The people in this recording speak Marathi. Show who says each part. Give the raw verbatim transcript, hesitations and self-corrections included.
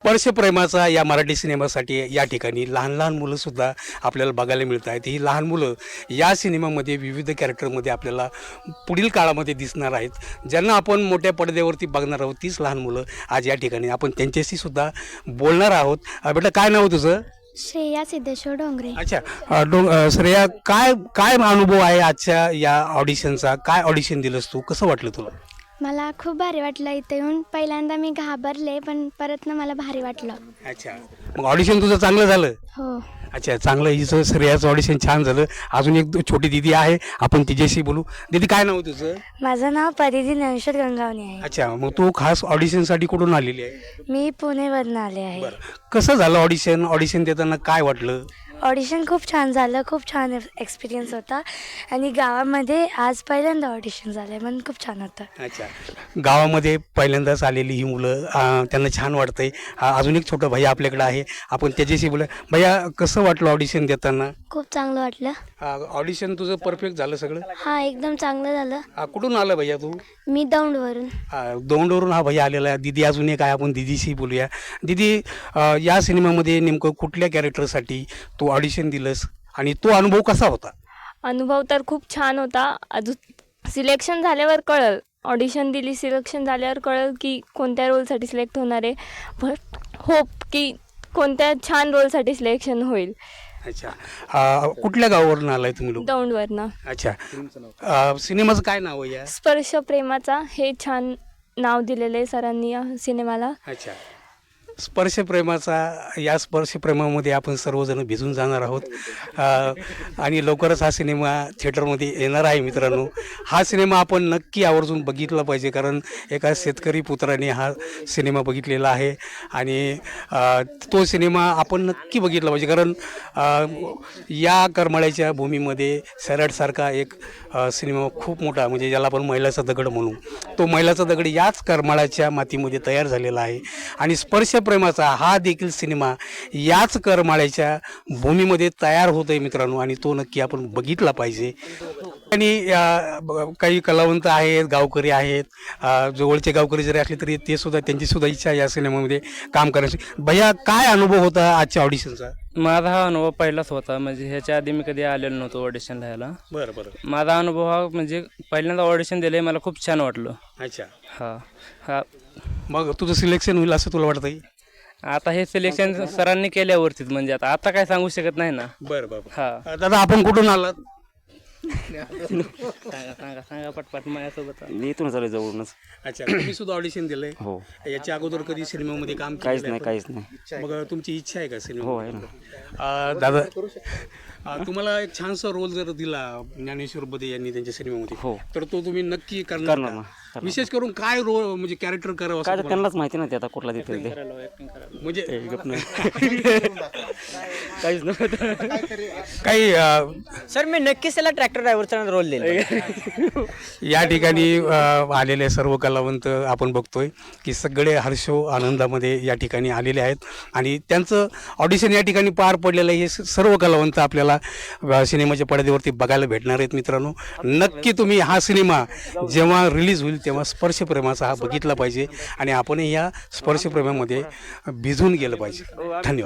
Speaker 1: स्पर्श प्रेमाचा या मराठी सिनेमासाठी या ठिकाणी लहान लहान मुलंसुद्धा आपल्याला बघायला मिळत आहेत. ही लहान मुलं या सिनेमामध्ये विविध कॅरेक्टरमध्ये आपल्याला पुढील काळामध्ये दिसणार आहेत. ज्यांना आपण मोठ्या पडद्यावरती बघणार आहोत तीच लहान मुलं आज या ठिकाणी आपण त्यांच्याशी सुद्धा बोलणार आहोत. अ, बेटा काय नाव आहे तुझं?
Speaker 2: श्रेया सिद्धेश्वर डोंगरे.
Speaker 1: अच्छा अ, डो अ, श्रेया काय काय अनुभव आहे आजच्या या ऑडिशनचा? काय ऑडिशन दिलंस तू? कसं वाटलं तुला?
Speaker 2: मला खूप भारी वाटलं इथे येऊन. पहिल्यांदा मी घाबरले पण परत ना मला भारी वाटलं.
Speaker 1: अच्छा मग ऑडिशन तुझं चांगलं झालं?
Speaker 2: हो.
Speaker 1: अच्छा चांगलं हिचं श्रेयाचं ऑडिशन छान झालं. अजून एक दो- छोटी दिदी आहे आपण तिच्याशी बोलू. दीदी काय नाव आहे तुझं?
Speaker 3: माझं नाव परिधी ज्ञानेश्वर गंगावणे आहे.
Speaker 1: अच्छा मग तू खास ऑडिशनसाठी कुठून आलेली आहे?
Speaker 3: मी पुणेवरून आले आहे.
Speaker 1: बरं कसं झालं ऑडिशन? ऑडिशन देताना काय वाटलं?
Speaker 3: ऑडिशन खूप छान झालं. खूप छान एक्सपिरियन्स होता आणि गावामध्ये आज पहिल्यांदा ऑडिशन झालं म्हणून खूप छान होतं.
Speaker 1: अच्छा गावामध्ये पहिल्यांदाच आलेली ही मुलं अं, त्यांना छान वाटतंय. अं, अजून एक छोटा भैया आपल्याकडे आहे आपण त्याच्याशी बोला. भैया कसं वाटलं ऑडिशन देताना?
Speaker 2: खूप चांगलं वाटलं.
Speaker 1: ऑडिशन तुझं परफेक्ट झालं सगळं?
Speaker 2: हा एकदम चांगलं झालं.
Speaker 1: अं, कुठून आलं भैया तू?
Speaker 2: मी दौंडवरून.
Speaker 1: अं, दौंडवरून हा भैया आलेला आहे. दिदी अजून एक आहे आपण दिदीशी बोलूया. दिदी अं, या सिनेमामध्ये नेमकं कुठल्या कॅरेक्टरसाठी तू ऑडिशन दिलंस आणि तो अनुभव कसा होता?
Speaker 4: अनुभव तर खूप छान होता. अजून सिलेक्शन झाल्यावर कळलं, ऑडिशन दिली सिलेक्शन झाल्यावर कळलं की कोणत्या रोलसाठी सिलेक्ट होणार आहे. बट होप की कोणत्या छान रोलसाठी सिलेक्शन होईल.
Speaker 1: अच्छा अं, कुठल्या गावावरून आलाय तुम्ही लोक?
Speaker 4: दौंडवरनं.
Speaker 1: अच्छा अं, सिनेमाचं काय नाव आहे या?
Speaker 4: स्पर्श प्रेमाचा हे छान नाव दिलेलं आहे सरांनी या सिनेमाला.
Speaker 1: अच्छा स्पर्श प्रेमाचा या स्पर्श प्रेमामध्ये आपण सर्वजण भिजून जाणार आहोत. अ, आणि लवकरच हा सिनेमा थिएटरमध्ये येणार आहे मित्रांनो. हा सिनेमा आपण नक्की आवर्जून बघितला पाहिजे कारण एका शेतकरी पुत्राने हा सिनेमा बघितलेला आहे आणि अ, तो सिनेमा आपण नक्की बघितला पाहिजे कारण अ, या करमाळ्याच्या भूमीमध्ये सैराटसारखा एक अ, सिनेमा खूप मोठा म्हणजे ज्याला आपण मैलाचा दगड म्हणू, तो मैलाचा दगड याच करमाळ्याच्या मातीमध्ये तयार झालेला आहे आणि स्पर्श प्रेमाचा हा देखील सिनेमा याच करमाळ्याच्या भूमीमध्ये तयार होत आहे मित्रांनो आणि तो नक्की आपण बघितला पाहिजे. आणि अ, ब- काही कलावंत आहेत, गावकरी आहेत, अ, जवळचे गावकरी जरी असले तरी ते सुद्धा त्यांची सुद्धा इच्छा या सिनेमामध्ये काम करण्याची. भैया काय अनुभव होता आजच्या ऑडिशनचा?
Speaker 5: माझा हा अनुभव पहिलाच होता. म्हणजे ह्याच्या आधी मी कधी आलेलो नव्हतो ऑडिशन लिहायला.
Speaker 1: बरं बरं.
Speaker 5: माझा अनुभव हा म्हणजे पहिल्यांदा ऑडिशन दिलं मला खूप छान वाटलं.
Speaker 1: अच्छा
Speaker 5: हा हा
Speaker 1: मग तुझं सिलेक्शन होईल असं तुला वाटतंय?
Speaker 5: आता हे सिलेक्शन सरांनी केल्यावरतीच म्हणजे आता आता काय सांगू शकत नाही ना.
Speaker 1: बरं बरं.
Speaker 5: हा
Speaker 1: अ, दादा आपण कुठून आलात?
Speaker 5: सांगा सांगा सांगा पटपट माझ्यासोबत.
Speaker 6: मी इथून चालू जवळूनच.
Speaker 1: अच्छा तुम्ही सुद्धा ऑडिशन दिलंय?
Speaker 6: हो.
Speaker 1: याच्या अगोदर कधी सिनेमामध्ये काम
Speaker 6: काहीच
Speaker 1: केलेलं
Speaker 6: नाही
Speaker 1: आहे
Speaker 6: काहीच नाही.
Speaker 1: आपण? मग तुमची इच्छा आहे का सिनेमा?
Speaker 6: हो आहे ना.
Speaker 1: अ, दादा अ, तुम्हाला एक छानसा रोल जर दिला ज्ञानेश्वर बदे यांनी त्यांच्या सिनेमामध्ये
Speaker 6: हो.
Speaker 1: तर तो तुम्ही नक्की करणार
Speaker 6: करणार
Speaker 1: का?
Speaker 6: ना, करणार.
Speaker 1: विशेष करून काय रोल म्हणजे कॅरेक्टर करावं असं
Speaker 6: काय तर
Speaker 1: तुम्हाला?
Speaker 6: त्यांनाच माहिती नाही ते आता कुठला देतील ते.
Speaker 1: म्हणजे
Speaker 6: ते गप नाही.
Speaker 5: काहीच नव्हतं.
Speaker 1: काही अ,
Speaker 7: सर मी नक्कीच त्याला ट्रॅक्टर ड्रायव्हरचा रोल देईल.
Speaker 1: या ठिकाणी अ, आलेले सर्व कलावंत आपण बघतोय की सगळे हर्षो आनंदामध्ये या ठिकाणी आलेले आहेत आणि त्यांचं ऑडिशन या ठिकाणी पार पडलेलं आहे. हे स- सर्व कलावंत आपल्याला अ, सिनेमाच्या पडद्यावरती बघायला भेटणार आहेत मित्रांनो. नक्की तुम्ही हा सिनेमा जेव्हा रिलीज होईल तेव्हा स्पर्श प्रेमाचा हा बघितला पाहिजे आणि आपणही या स्पर्श प्रेमामध्ये भिजून गेलं पाहिजे. धन्यवाद.